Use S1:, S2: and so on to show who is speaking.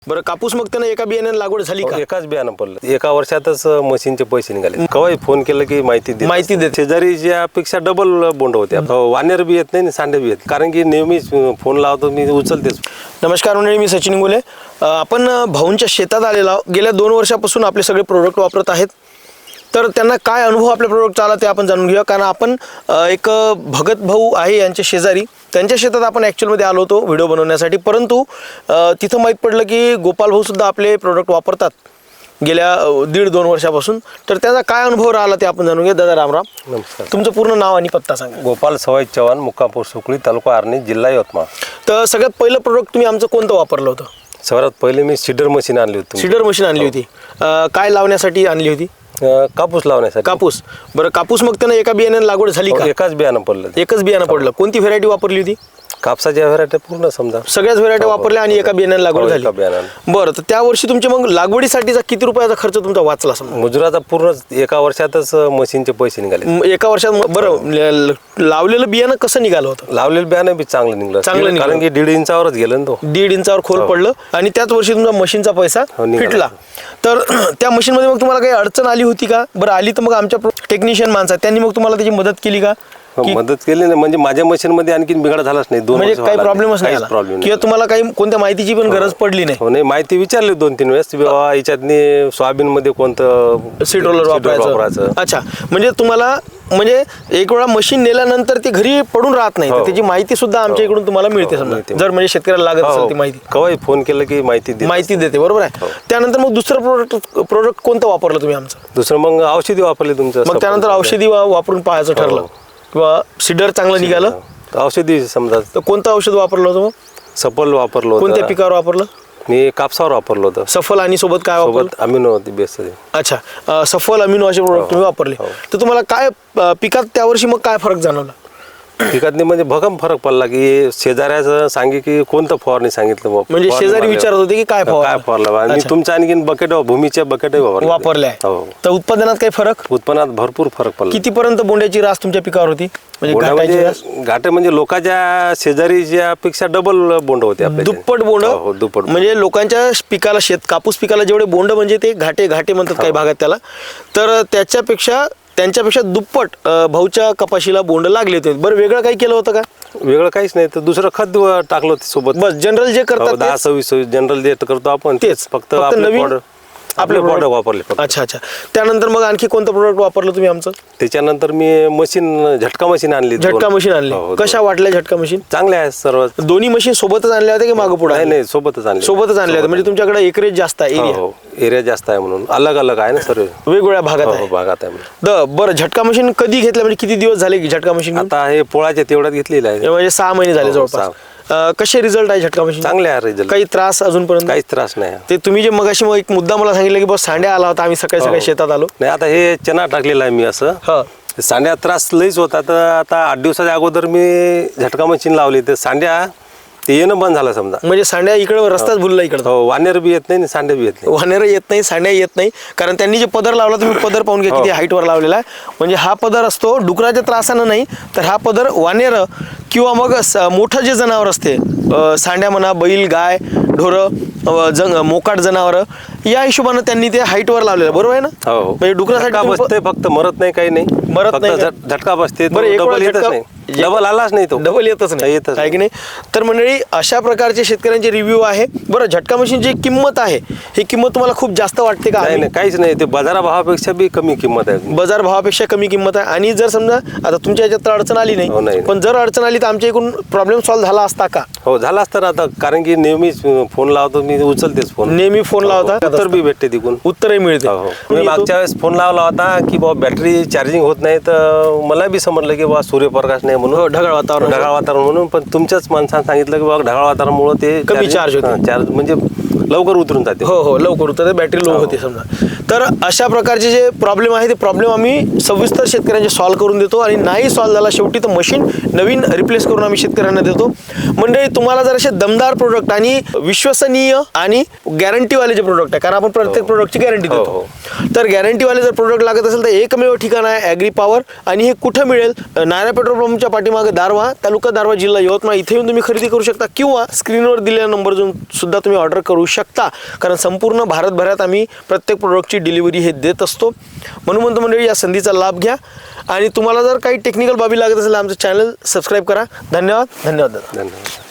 S1: बरं, कापूस मग त्यानं एका बियाण्याने लागवड झाली का?
S2: एकाच बियाणं पडलं, एका वर्षातच मशीनचे पैसे निघाले. केव्हाही फोन केलं की माहिती देते. शेजारी ज्यापेक्षा डबल बोंड होते. वानेर बी येत नाही आणि सांडे बी येत, कारण की नेहमी फोन लावतो मी, उचलतेच.
S1: नमस्कार मंडळी, मी सचिन इंगोले. आपण भाऊंच्या शेतात आलेलो आहोत. गेल्या 2 वर्षापासून आपले सगळे प्रोडक्ट वापरत आहेत. तर त्यांना काय अनुभव आपल्या प्रोडक्टचा आला ते आपण जाणून घेऊया. कारण आपण एक भगत भाऊ आहे यांचे शेजारी, त्यांच्या शेतात आपण ॲक्च्युअलमध्ये आलो होतो व्हिडिओ बनवण्यासाठी. परंतु तिथं माहीत पडलं की गोपाल भाऊसुद्धा आपले प्रोडक्ट वापरतात गेल्या 1.5-2 वर्षापासून. तर त्याचा काय अनुभव राहिला ते आपण जाणून घेऊ. दादा रामराम.
S2: नमस्कार.
S1: तुमचं पूर्ण नाव आणि पत्ता सांगा.
S2: गोपाल सवाई चव्हाण, मुक्कामपूर सुकळी, तालुका आर्णी, जिल्हा यवतमाळ.
S1: तर सगळ्यात पहिलं प्रोडक्ट तुम्ही आमचं कोणतं वापरलं होतं?
S2: सर्वात पहिले मी सीडर मशीन आणली होती.
S1: सीडर मशीन आणली होती. काय लावण्यासाठी आणली होती?
S2: कापूस लावण्यासाठी.
S1: कापूस. बरं, कापूस मग त्यानं एका बियाण्याने लागवड झाली का?
S2: एकाच बियाणं पडलं.
S1: एकच बियाणं पडलं. कोणती व्हेरायटी वापरली होती?
S2: कापसाच्या व्हेरायटी पूर्ण समजा
S1: सगळ्याच व्हेरायटी वापरल्या आणि एका बियाण्याने लागवड झाली. बरं, तर त्या वर्षी तुमच्या मग लागवडीसाठीचा किती रुपयाचा खर्च तुमचा वाचला? समजा
S2: मजुराचा पूर्ण एका वर्षातच मशीनचे पैसे निघाले.
S1: एका वर्षात. बरं, लावलेलं बियाणं कसं निघालं होतं?
S2: लावलेलं बियाणं बी चांगलं निघलं, कारण की 1.5 इंचावरच गेलं ना तो.
S1: 1.5 इंचावर खोल पडलं आणि त्याच वर्षी तुमचा मशीनचा पैसा फिटला. तर त्या मशीनमध्ये मग तुम्हाला काही अडचण आली होती का? बरं, आली तर मग आमच्या टेक्निशियन माणसं त्यांनी मग तुम्हाला त्याची मदत केली का?
S2: मदत केली नाही, म्हणजे माझ्या मशीन मध्ये आणखी बिघाड झालाच नाही. 2
S1: म्हणजे काही प्रॉब्लेमच नाही आला किंवा तुम्हाला काही कोणत्या माहितीची पण गरज पडली नाही?
S2: नाही, माहिती विचारली 2-3 वेळेस. बाबा याच्यातनी सोयाबीन मध्ये कोणतं
S1: सीड रोलर वापरायचं. अच्छा, म्हणजे तुम्हाला म्हणजे एक वेळा मशीन नेल्यानंतर ती घरी पडून राहत नाही, तर त्याची माहिती सुद्धा आमच्या इकडून तुम्हाला मिळते. समजा जर म्हणजे शेतकऱ्याला लागत असेल ती माहिती,
S2: केव्हाही फोन केलं की माहिती
S1: देते. बरोबर आहे. त्यानंतर मग दुसरं प्रोडक्ट कोणतं वापरलं तुम्ही आमचं?
S2: दुसरं मग औषधी वापरली तुमचं.
S1: मग त्यानंतर औषधी वापरून पाहायचं ठरलं किंवा सीडर चांगलं निघालं?
S2: औषधी समजा.
S1: तर कोणतं औषध वापरलं होतं मग?
S2: सफल वापरलं होतं.
S1: कोणत्या पिकावर वापरलं?
S2: मी कापसावर वापरलं होतं.
S1: सफल आणि सोबत काय वापरलं?
S2: अमिनो होती बेस्ट.
S1: अच्छा, सफल अमिनो असे प्रोडक्ट तुम्ही वापरले. तर तुम्हाला काय पिकात त्या वर्षी मग काय फरक जाणवला?
S2: पिकात म्हणजे भगम फरक पडला की शेजाऱ्याचं सांगे की कोणतं फवारणी सांगितलं.
S1: म्हणजे शेजारी विचारत होते की काय
S2: फवारलं, आणि तुमच्या आणखीन बकेट भूमीच्या बकेट
S1: वापरल्या. तर उत्पादनात काही फरक?
S2: उत्पन्नात भरपूर फरक पडला.
S1: कितीपर्यंत बोंड्याची रास तुमच्या पिकावर होती?
S2: घाटे म्हणजे लोकांच्या शेजारीच्या पेक्षा डबल बोंड होते.
S1: दुप्पट बोंड.
S2: दुप्पट. म्हणजे
S1: लोकांच्या पिकाला, कापूस पिकाला जेवढे बोंड म्हणजे ते घाटे म्हणतात काही भागात त्याला, तर त्यांच्यापेक्षा दुप्पट भाऊच्या कपाशीला बोंड लागले होते. बरं, वेगळं काही केलं होतं का?
S2: वेगळं काहीच नाही, तर दुसरं खत टाकलं होतं सोबत.
S1: बस जनरल जे करतात
S2: 10-26 जनरल जे करतो आपण
S1: तेच,
S2: फक्त
S1: आपले प्रोडक्ट
S2: वापरले.
S1: अच्छा. त्यानंतर मग आणखी कोणतं प्रोडक्ट वापरलं तुम्ही आमचं?
S2: त्याच्यानंतर मी झटका मशीन आणली.
S1: झटका मशीन आणली. कशा वाटल्या झटका मशीन?
S2: चांगल्या आहेत सर्व.
S1: दोन्ही मशीन सोबतच आणल्या होत्या की मागं पुढे?
S2: नाही, सोबतच आणल्या
S1: होत्या. म्हणजे तुमच्याकडे एकरेज जास्त आहे,
S2: एरिया जास्त आहे म्हणून अलग अलग आहे ना सर्व,
S1: वेगवेगळ्या भागात आहे. बरं, झटका मशीन कधी घेतलं? म्हणजे किती दिवस झाले झटका मशीन?
S2: आता हे पोळाच्या तेवढ्यात घेतलेलं आहे,
S1: म्हणजे 6 महिने झाले जवळपास. कसे रिझल्ट आहे झटका मशीन?
S2: चांगले आहे रिझल्ट.
S1: काही त्रास अजूनपर्यंत?
S2: काहीच त्रास नाही.
S1: ते तुम्ही जे मगाशी मग एक मुद्दा मला सांगितलं की बस सांड्या आला होता, आम्ही सकाळी शेतात आलो.
S2: नाही, आता हे चना टाकलेला आहे मी. असं सांड्या त्रास लईच होता. तर आता 8 दिवसाच्या अगोदर मी झटका मशीन लावली, तर सांड्या ते येणं बंद झालं समजा.
S1: म्हणजे सांड्या इकडे रस्ताच भुलला इकडे.
S2: वानेर बी येत नाही, सांड्या बी येत नाही.
S1: वानेर येत नाही, सांड्या येत नाही. कारण त्यांनी जे पदर लावला, तुम्ही पदर पाहून घ्या किती हाईटवर लावलेला आहे. म्हणजे हा पदर असतो डुकराच्या त्रासानं नाही, तर हा पदर वानेर किंवा मग मोठं जे जनावर असते, सांड्या म्हणा, बैल, गाय, ढोरं, मोकाट जनावर, या हिशोबानं त्यांनी ते हाईटवर लावलेलं. बरोबर आहे ना? म्हणजे डुकरासाठी
S2: बसते, फक्त मरत नाही, काही नाही,
S1: मरत नाही,
S2: झटका बसते.
S1: डबल
S2: आलाच नाही, तो
S1: डबल येतच नाही की नाही. तर मंडळी, अशा प्रकारचे शेतकऱ्यांचे रिव्ह्यू आहे. बरं, झटका मशीनची किंमत आहे, ही किंमत तुम्हाला खूप जास्त वाटते का?
S2: नाही, काहीच नाही. ते बाजारभावापेक्षा बी कमी किंमत आहे.
S1: बाजारभावापेक्षा कमी किंमत आहे. आणि जर समजा आता तुमच्या याच्यात तर अडचण आली नाही, पण जर अडचण आली तर आमच्या इकडून प्रॉब्लेम सॉल्व्ह झाला असता का?
S2: हो, झाला असता. आता कारण की नेहमी फोन लावतो मी, उचलतेच फोन.
S1: नेहमी फोन लावता,
S2: उत्तर बी भेटते तिकडून,
S1: उत्तरही मिळते.
S2: मी मागच्या वेळेस फोन लावला होता की बाबा बॅटरी चार्जिंग होत नाही, तर मला बी समजलं की बाबा सूर्यप्रकाश नाही म्हणून, ढगाळ वातावरण म्हणून. पण तुमच्याच माणसाने सांगितलं की बाबा ढगाळ वातावरणामुळे ते
S1: कमी चार्ज होते,
S2: म्हणजे लवकर उतरून जाते.
S1: हो, लवकर उतरते, बॅटरी लो होते समजा. तर अशा प्रकारचे जे प्रॉब्लेम आहे ते प्रॉब्लेम आम्ही सविस्तर शेतकऱ्यांचे सॉल्व्ह करून देतो. आणि नाही सॉल्व्ह झाला शेवटी तर मशीन नवीन रिप्लेस करून आम्ही शेतकऱ्यांना देतो. म्हणजे तुम्हाला जर असे दमदार प्रोडक्ट आणि विश्वसनीय आणि गॅरंटीवाले जे प्रोडक्ट आहे, कारण आपण प्रत्येक प्रोडक्टची गॅरंटी देतो, तर गॅरंटीवाले जर प्रोडक्ट लागत असेल तर एकमेव ठिकाण आहे ॲग्री पॉवर. आणि हे कुठं मिळेल? नायरा पेट्रोल पंपच्या पाठीमागे दारव्हा, तालुका दारव्हा, जिल्हा यवतमाळ, इथे येऊन तुम्ही खरेदी करू शकता. किंवा स्क्रीनवर दिलेल्या नंबर सुद्धा तुम्ही ऑर्डर करू शकता. शकता, कारण संपूर्ण भारतभरात आम्ही प्रत्येक प्रोडक्टची डिलिव्हरी हे देत असतो. म्हणून म्हणतो मंडळी, या संधीचा लाभ घ्या आणि तुम्हाला जर काही टेक्निकल बाबी लागत असेल आमचं चॅनल सबस्क्राईब करा. धन्यवाद. धन्यवाद दादा.
S2: धन्यवाद.